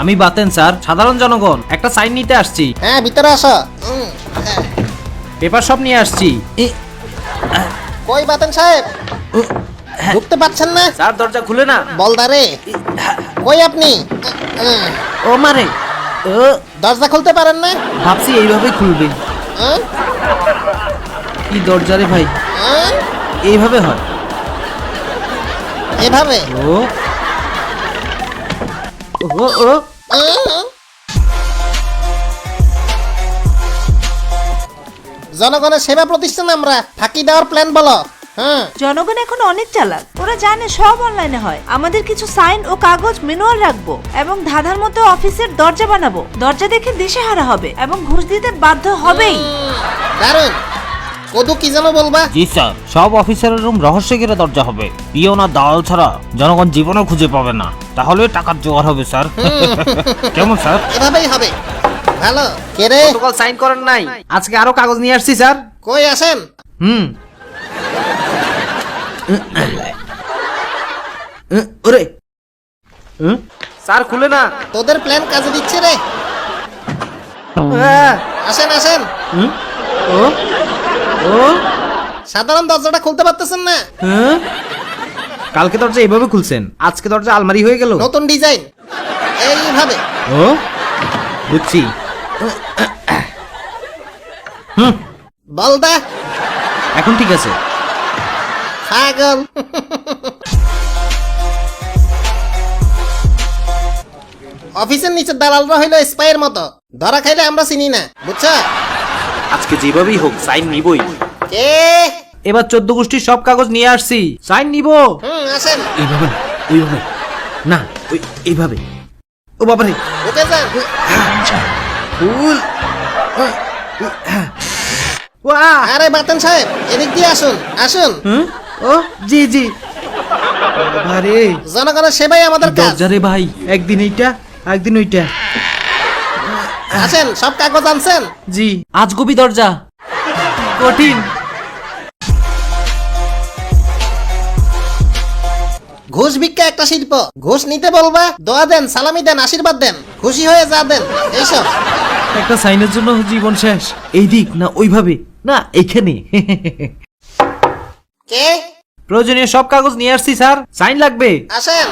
আমি বাতেন স্যার, সাধারণ জনগণ, একটা সাইন নিতে আসছি। হ্যাঁ ভিতরে আসো। পেপার সব নিয়ে আসছি। কই বাতেন সাহেব, ঢুকতে পারছেন না? স্যার দরজা খুলে না। বলদারে কই আপনি? ও মারে, দরজা খুলতে পারেন না? ভাবছি এইভাবেই খুলবে। কি দরজা রে ভাই, এইভাবে হয়? এভাবে? ও ও ও জনগণের সেবা প্রতিষ্ঠান আমরা, ফাঁকি দেওয়ার প্ল্যান বলো। হ্যাঁ জনগণ এখন অনেক চালাক, ওরা জানে সব অনলাইনে হয়। আমাদের কিছু সাইন ও কাগজ ম্যানুয়াল রাখবো এবং ধাঁধার মতো অফিসের দরজা বানাবো। দরজা দেখে দিশেহারা হবে এবং ঘুষ দিতে বাধ্য হবেই। দারুণ। কদু কি যেন বলবা? জি স্যার, সব অফিসারের রুম রহস্য ঘেরা দরজা হবে। পিওন আর দালাল ছাড়া জনগণ জীবনে খুঁজে পাবে না, তাহলে টাকার জোগাড় হবে স্যার। কেমন স্যার? এভাবেই হবে। ভালো। কে রে? গতকাল সাইন করেন নাই, আজকে আরো কাগজ নিয়ে আসছি স্যার। কই আসেন? ওরে স্যার খুলে না। তোদের প্ল্যান কাজে দিচ্ছে রে। আসেন আসেন। ও ও সাধারণ দরজাটা খুলতে পারতেছেন না? কালকে দরজা এইভাবে খুলছেন, আজকে দরজা আলমারি হয়ে গেল। নতুন ডিজাইন এইভাবে। ও বুঝছি। বলদা এখন ঠিক আছে। পাগল। অফিসের নিচে দালালরা হইলো স্পাইয়ের মতো, ধরা খাইলে আমরা চিনি না, বুঝছো? আজকে যেভাবেই হোক সাইন নিবই। কে? এবার 14 গোষ্ঠীর সব কাগজ নিয়ে আসছি, সাইন নিব। আসেন। এইভাবে না, ওইভাবে না, ওই এইভাবে। ও বাবারে, ঢুকে যান। ফুল। ওয়া আরে বাতেন সাহেব, এদিক দিয়ে আসুন আসুন। ও জি জি। আরে জনগণের সেবাই আমাদের কাজ। দরজা রে ভাই, একদিন এইটা একদিন ওইটা। আসেন, সব কাগজ আনছেন? জি, আজগবি দরজা, কঠিন। ঘুষ ভিক্ষা একটা শিল্প। ঘুষ নিতে বলবা, দোয়া দেন, সালামি দেন, আশীর্বাদ দেন, খুশি হয়ে যা দেন, এইসব। একটা সাইনের জন্য জীবন শেষ। এই দিক না ওইভাবে না, এইখানে। কে? প্রয়োজনীয় সব কাগজ নিয়ে আসছি স্যার, সাইন লাগবে। আসেন।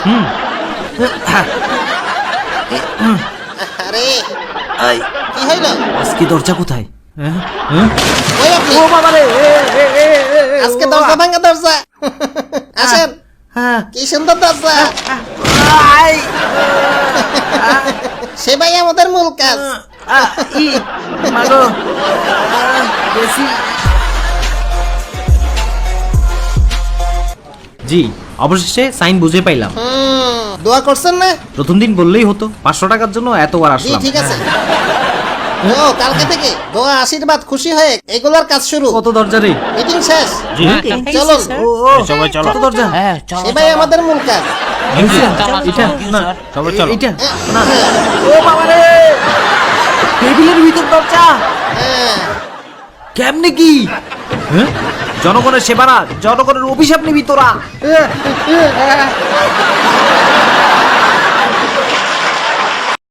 আরে কি হইল? আজকে দরজা কোথায়? ওই আপনি? ও বাবা রে, আজকে দরজা ভাঙা দরজা। আসেন। হ্যাঁ। কি সুন্দর দরজা। সেবাই আমাদের মূল কাজ। জি, অবশেষে সাইন বুঝে পাইলাম। দোয়া করছেন না? প্রথম দিন বললেই হতো, 500 টাকার জন্য এতবার জি আসলাম। ঠিক আছে। ও কালকে থেকে দোয়া, আশীর্বাদ, খুশি হয়ে এগুলার কাজ শুরু। কত দরজা রে? মিটিং শেষ। জি চলুন। সবাই চলো। কত দরজা? সেবাই আমাদের মূল কাজ। এটা না, সবাই চলো। এটা না। ও বাবা রে, টেবিলের ভিতর দরজা। হ্যাঁ। কেমনে কি? জনগণের সেবা না, জনগণের অভিশাপ নিবি তোরা।